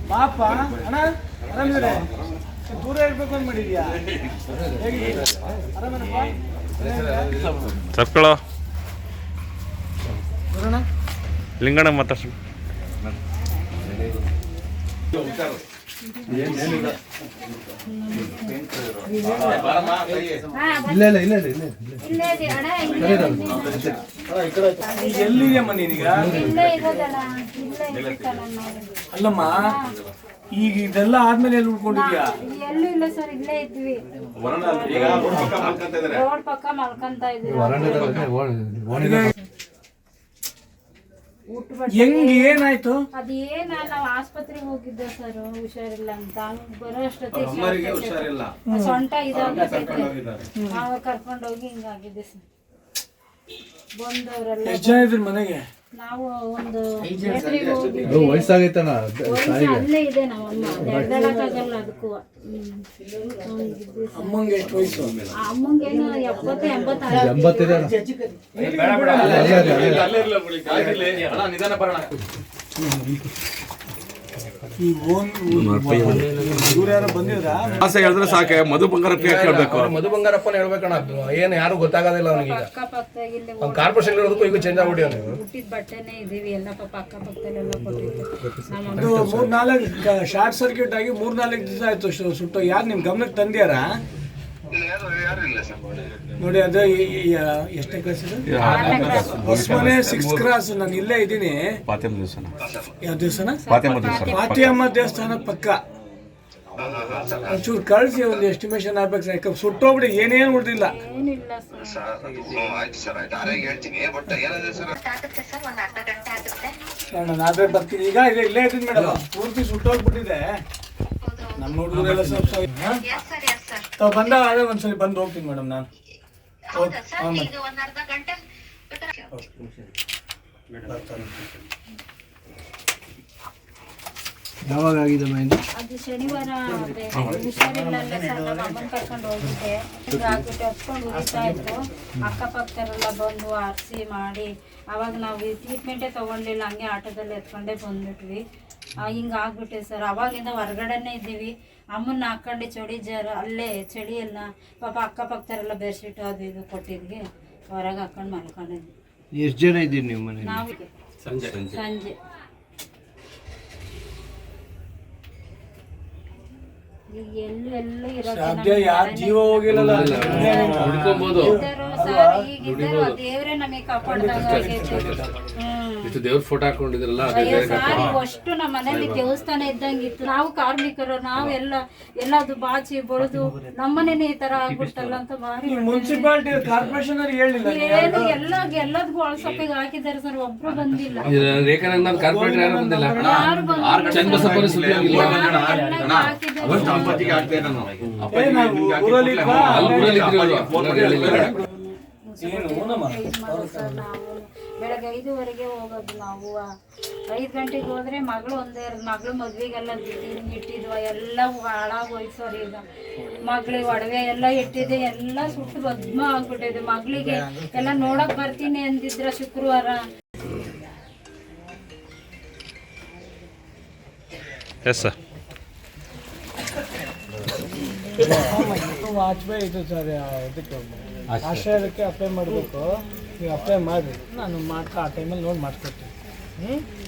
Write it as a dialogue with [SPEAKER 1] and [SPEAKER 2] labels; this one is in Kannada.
[SPEAKER 1] ಪಾಪ ಅಣ್ಣ ಆರಾಮಿದ್ರೆ ದೂರ ಇರ್ಬೇಕು ಅಂತ ಮಾಡಿದ್ಯಾ ಆರಾಮನಪ್ಪ
[SPEAKER 2] ತಪ್ಕೊಳ್ಳೋ
[SPEAKER 1] ಬರೋಣ
[SPEAKER 2] ಲಿಂಗಣ್ಣ ಮಾತಾಡ್ಸು
[SPEAKER 1] ಎಲ್ಲಿದೆಯಮ್ಮ ನೀನೀಗ ಅಲ್ಲಮ್ಮ ಈಗ ಇದೆಲ್ಲ ಆದ್ಮೇಲೆ ಎಲ್ಲಿ ಉಳ್ಕೊಂಡಿದ್ಯಾ
[SPEAKER 3] ಎಲ್ಲೂ ಇಲ್ಲ ಸರ್ ಇಲ್ಲೇ ಇದ್ವಿ ರೋಡ್ ಪಕ್ಕ ಮಲ್ಕೊಂತ ಇದ್ವಿ
[SPEAKER 1] ಹೆಂಗ್ ಏನಾಯ್ತು
[SPEAKER 3] ಅದೇನ ನಾವ್ ಆಸ್ಪತ್ರೆಗೆ ಹೋಗಿದ್ದೆ ಸರ್ ಹುಷಾರಿಲ್ಲ ಅಂತ ಬರೋ ಅಷ್ಟೊತ್ತಿಗೆ ಸೊಂಟ ಇದಾಗ್ತೈತೆ ಕರ್ಕೊಂಡೋಗಿ ಹಿಂಗಾಗಿದೆ ಸರ್ ಬಂದವರೆಲ್ಲ
[SPEAKER 1] ಎಷ್ಟು ಜನ ಇದ್ರಿ ಮನೆಗೆ
[SPEAKER 3] ನಾವು ಒಂದು ಥಿಯೇಟ್ರಿಗೆ ಹೋಗಿದ್ವಿ
[SPEAKER 4] ವಯಸ್ಸಾಗೈತನ
[SPEAKER 3] ಅಲ್ಲೇ ಇದೆ ನಾವಮ್ಮ ನಡೆದಾಡಕ್ಕಾಗಲ್ಲ ಅದಕ್ಕೂ
[SPEAKER 1] ಅಮ್ಮಂಗೆ ಎಷ್ಟು ವಯಸ್ಸು
[SPEAKER 3] ಅಮ್ಮಂಗೇನು 70-80
[SPEAKER 4] ಎಂಬತ್ತಿದೆ
[SPEAKER 1] ಈ ಇವ್ರು ಯಾರೋ ಬಂದಿದ್ರಾ
[SPEAKER 2] ಆಸೆ ಹೇಳಿದ್ರೆ ಸಾಕೆ ಮಧು ಬಂಗಾರಪ್ಪ ಕೇಳಬೇಕು
[SPEAKER 5] ಮಧು ಬಂಗಾರಪ್ಪನ ಹೇಳ್ಬೇಕಣ್ಣ ಏನು ಯಾರು ಗೊತ್ತಾಗೋದಿಲ್ಲ ಅವನಿಗೆ
[SPEAKER 3] ಅಕ್ಕಪಕ್ಕದಾಗ ಇಲ್ಲೇ
[SPEAKER 5] ಅವ್ನು ಕಾರ್ಪೊರೇಷನ್ ಇರೋದಕ್ಕೂ ಈಗ ಚೇಂಜ್ ಆಗ್ಬಿಡಿ ಅವನು
[SPEAKER 3] ಹುಟ್ಟಿದ ಬಟ್ಟೆನೇ ಇದೀವಿ ಎಲ್ಲ ಪಾಪ ಅಕ್ಕಪಕ್ಕದಲ್ಲೆಲ್ಲ ಕೊಟ್ಟಿದ್ದು ನಮ್ಮ
[SPEAKER 1] ಅದು 3-4 ಶಾರ್ಟ್ ಸರ್ಕ್ಯೂಟ್ ಆಗಿ 3-4 ದಿವಸ ಆಯ್ತು ಸುಟ್ಟು ಯಾರು ನಿಮ್ ಗಮನಕ್ಕೆ ತಂದ್ಯಾರಾ ನೋಡಿ ಅದು ಎಷ್ಟನೇ ಕ್ಲಾಸ್ ಹೊಸಮನೆ 6th ಕ್ಲಾಸ್ ನಾನು ಇಲ್ಲೇ ಇದ್ದೀನಿ ಯಾವ ದಿವಸನ ಫಾತಿಯಮ್ಮ ದೇವಸ್ಥಾನ ಪಕ್ಕ ಒಂಚೂರು ಕಳಿಸಿ ಒಂದು ಎಸ್ಟಿಮೇಷನ್ ಆಗ್ಬೇಕು ಯಾಕಂದ್ರೆ ಸುಟ್ಟೋಗ್ಬಿಡಿ ಏನೇನು ಉಳಿದಿಲ್ಲ
[SPEAKER 3] ಏನಿಲ್ಲ
[SPEAKER 1] ನಾನು ಅದೇ ಬರ್ತೀನಿ ಈಗ ಇಲ್ಲೇ ಇದ್ದೀನಿ ಮೇಡಮ್ ಪೂರ್ತಿ ಸುಟ್ಟೋಗ್ಬಿಟ್ಟಿದೆ ನಮ್ಮ ಹುಡುಗರೆಲ್ಲ ಸ್ವಲ್ಪ ಬಂದಾಗ ಅದೇ ಒಂದ್ಸರಿ ಬಂದು ಹೋಗ್ತೀನಿ ಮೇಡಮ್ ನಾನು
[SPEAKER 4] ಯಾವಾಗ ಆಗಿದೆ ಮೈಂದು
[SPEAKER 3] ಅದು ಶನಿವಾರ ಹುಷಾರಿಲ್ಲ ಸರ್ ನಮ್ಮ ಅಮ್ಮನ ಕರ್ಕೊಂಡು ಹೋಗಿದ್ದೆ ಹಿಂಗಾಗ್ಬಿಟ್ಟು ಹತ್ಕೊಂಡು ಉರಿತಾ ಇತ್ತು ಅಕ್ಕಪಕ್ಕದವರೆಲ್ಲ ಬಂದು ಆರಿಸಿ ಮಾಡಿ ಅವಾಗ ನಾವು ಟ್ರೀಟ್ಮೆಂಟೇ ತೊಗೊಳ್ಲಿಲ್ಲ ಹಂಗೆ ಆಟೋದಲ್ಲಿ ಎತ್ಕೊಂಡೇ ಬಂದ್ಬಿಟ್ವಿ ಹಿಂಗಾಗ್ಬಿಟ್ಟೆ ಸರ್ ಅವಾಗಿಂದ ಹೊರಗಡೆನೇ ಇದ್ದೀವಿ ಅಮ್ಮನ್ನ ಹಾಕೊಂಡು ಚಳಿ ಜರ ಅಲ್ಲೇ ಚಳಿ ಎಲ್ಲ ಪಾಪ ಅಕ್ಕಪಕ್ಕದವರೆಲ್ಲ ಬೆಡ್ಶೀಟು ಅದು ಇದು ಕೊಟ್ಟಿದ್ವಿ ಹೊರಗೆ ಹಾಕೊಂಡು ಮಲ್ಕೊಂಡಿದ್ವಿ
[SPEAKER 4] ಎಷ್ಟು ಜನ ಇದ್ದೀರಿ ನೀವು ಮನೆ
[SPEAKER 3] ನಾವು ಸಂಜೆ ಎಲ್ಲೂ
[SPEAKER 1] ಸದ್ಯ ಯಾರ ಜೀವ ಹೋಗಿಲ್ಲ
[SPEAKER 3] ದೇವ್ರೆ ನಮಗೆ ಕಾಪಾಡ್ದಂಗ
[SPEAKER 5] ದೇವ್ರ ಫೋಟೋ ಹಾಕೊಂಡಿದ್ರಲ್ಲ
[SPEAKER 3] ಅಷ್ಟು ನಮ್ಮ ಮನೇಲಿ ದೇವಸ್ಥಾನ ಇದ್ದಂಗಿತ್ತು ನಾವು ಕಾರ್ಮಿಕರು ನಾವೆಲ್ಲ ಎಲ್ಲದು ಬಾಚಿ ಬಳಿದು ನಮ್ಮನೇನೆ ಈ ತರ ಆಗ್ಬಿಡ್ತಲ್ಲ ಅಂತ ಭಾರಿ
[SPEAKER 1] ಮುನ್ಸಿಪಾಲಿಟಿ ಕಾರ್ಪೊರೇಷನ್ ಅವ್ರಿಗೆ ಹೇಳಿಲ್ಲ
[SPEAKER 3] ಏನು ಎಲ್ಲದಕ್ಕೂ ಅಳಸಪ್ಪಿಗೆ ಹಾಕಿದ್ದಾರೆ ಸರ್ ಒಬ್ರು ಬಂದಿಲ್ಲ ಯಾರು ಬೆಳಗ್ಗೆ 5 ಹೋಗೋದು ನಾವು 5 ಗಂಟೆಗೆ ಹೋದ್ರೆ ಮಗಳು ಮಗಳು ಮದ್ವೆಗೆಲ್ಲ ಇಟ್ಟಿದ್ವ ಎಲ್ಲ ಹಾಳಾಗೋಯ್ತು ಸರ್ ಈಗ ಮಗಳಿಗೆ ಒಡವೆ ಎಲ್ಲ ಇಟ್ಟಿದೆ ಎಲ್ಲ ಸುಟ್ಟು ಭದ್ಮ ಆಗ್ಬಿಟ್ಟಿದೆ ಮಗಳಿಗೆ ಎಲ್ಲ ನೋಡಕ್ ಬರ್ತೀನಿ ಅಂದಿದ್ರ ಶುಕ್ರವಾರ
[SPEAKER 1] ವಾಜ್ಪೇಯಿ ಇದು ಸರ್ ಇದಕ್ಕೆ ಆಶ್ರಯಕ್ಕೆ ಅಪ್ಲೈ ಮಾಡಬೇಕು ನೀವು ಅಪ್ಲೈ ಮಾಡಿ ನಾನು ಆ ಟೈಮಲ್ಲಿ ನೋಡಿ ಮಾಡಿಸ್ಕೊಡ್ತೀನಿ